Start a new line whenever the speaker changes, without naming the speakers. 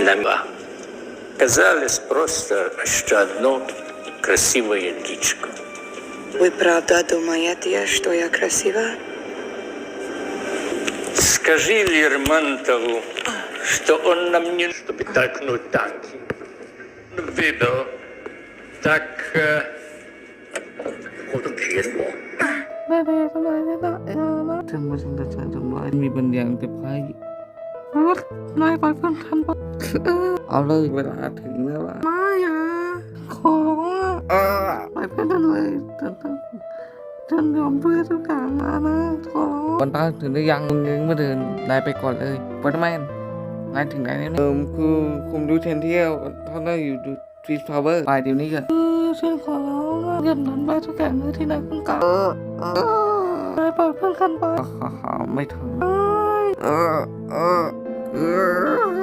Лама. Казалось просто, что одно красивое личико.
Вы правда думаете, что я красива?
Скажи Лермонтову, что он нам не чтобы толкнуть танки. Видно, так...
ถึงมาถึงจะจำไว้มีบางอย่างจะพายนายไปเพื่อนทันปะเอาเลยเวลาถึงแล้วล่ะไม่อะขอไปเพื่อนทันเลยฉันยอมเพื่อทุกอย่างมานะขอวันตาถึงได้ยังมึงไม่เดินนายไปก่อนเลยวัตแมนนายถึงไหนแล้วคือคุมดูเทนเที่ยวท่านได้อยู่ดูทรีสพาวเวอร์ไปเดี๋ยวนี้กันฉันขอร้องว่าอย่าทำไปทุกอย่างเลยที่นายต้องการนายปล่อยเพื่อนกันไปไม่ทำ